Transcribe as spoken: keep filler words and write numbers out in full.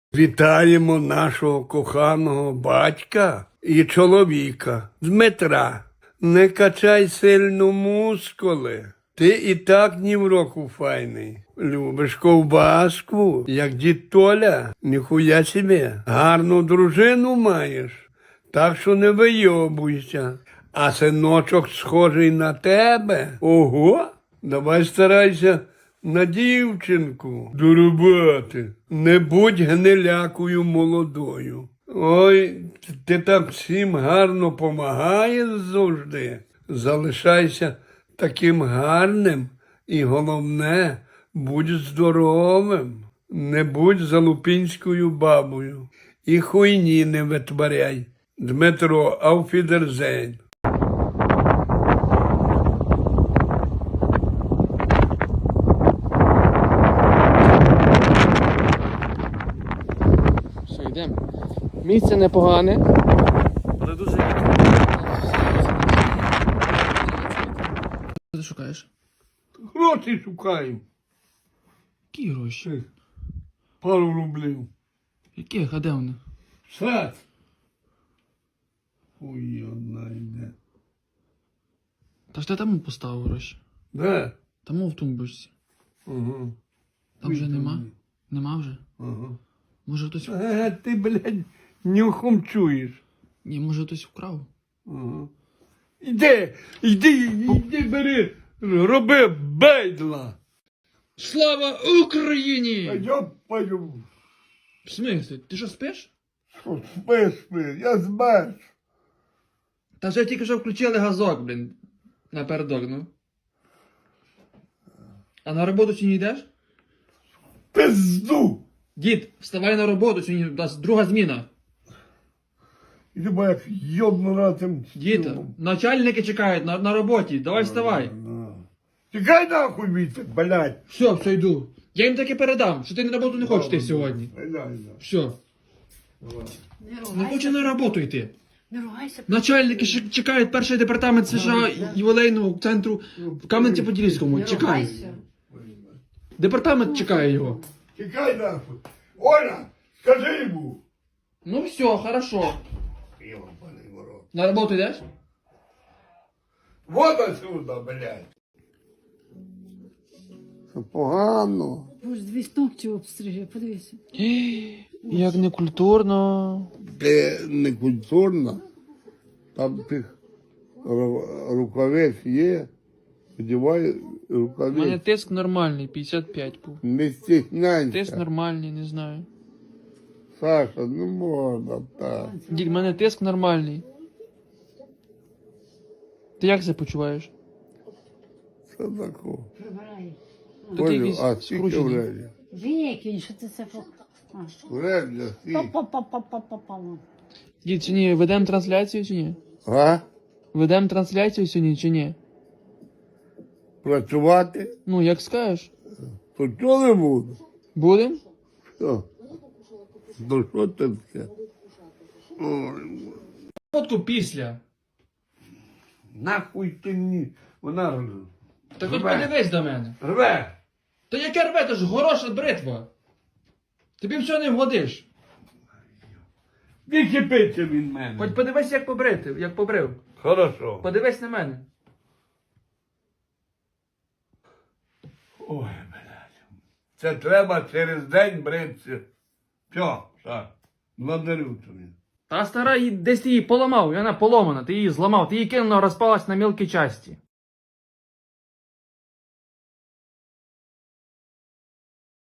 Вітаємо нашого коханого батька і чоловіка Дмитра. Не качай сильно мускули. Ти і так ні в року файний. Любиш ковбаску, як дід Толя, ніхуя себе. Гарну дружину маєш, так що не вийобуйся. А синочок схожий на тебе. Ого, давай старайся на дівчинку до роботи. Не будь гнилякою молодою. Ой, ти так всім гарно помагаєш завжди. Залишайся таким гарним і головне, будь здоровим. Не будь залупінською бабою. І хуйні не витворяй. Дмитро, ауфідерзейн. Все, йдемо. Місце непогане, але дуже рідко. Що ти шукаєш? Гроші шукаємо. Які гроші? Пару рублів. Яких? А де вони? Сад. Ой, одна йде. Та ж ти там поставив гроші. Де? Там в тумбочці. Ага. Там вже нема? Нема вже? Ага. Може хтось... Е, ти, блядь, нюхом чуєш. Ні, може хтось вкрав? Ага. Іди, іди, іди, бери, роби бейдла. Слава Україні! А я пою. В смислі? Ти що, спиш? Що, спи, спи, я збеш. Та вже тільки що включили газок, блін. Напередок, ну. А на роботу чи не йдеш? Пизду. Дід, вставай на роботу, сьогодні у нас друга зміна. Іди, бо як йобну на тим. Діти, начальники чекають на, на роботі, давай вставай. Тікай нахуй віце, блядь. Все, все, йду. Я їм таки передам, що ти на роботу не хочеш йти сьогодні. Блядь. Все. Не Не ругайся. хоче на роботу йти. Не ругайся. Начальники ще чекають перший департамент США ювілейного центру в Кам'янці-Подільському. Не Чекає. ругайся. Департамент чекає його. Тікай нахуй. Оля, скажи йому. Ну все, хорошо. Йобаний в рот. На роботу йдеш? Вот отсюда, блядь. Це погано. Боже, дві ногті обстриже, подивися. Як некультурно. Ти не культурно. Там тих ру- рукавець є. Одівай У мене рукавець. тиск нормальний, п'ятдесят п'ять був. Не Тиск стісняйся. нормальний, не знаю. Саша, не можна так. Дід, в мене тиск нормальний. Ти як себе почуваєш? Що таке? Прибирай. Тут Понял, якісь а скільки скручені. вредя? Викинь, що ти це по... А. Вредя, скільки? Па-па-па-па-па-па. Дід, чи ні, ведемо трансляцію чи ні? А? Ведемо трансляцію сьогодні чи ні? Працювати? Ну, як скажеш. То чого не буду? Будем? Що? Ну що це таке? Ой, Фотку після. нахуй ти мені. Вона рве. Так от Рве. подивись до мене. Рве. Та яке рве, то ж гороша бритва. Тобі все не вгодиш. Відчепиться від мене. Хоч подивись, як побрити, як побрив. Хорошо. Подивись на мене. Ой, блядь. Це треба через день бритися. Все, так. Благодарю тобі. Та стара, її- десь ти її поламав, і вона поломана, ти її зламав, ти її кинула, розпалась на мілкі часті.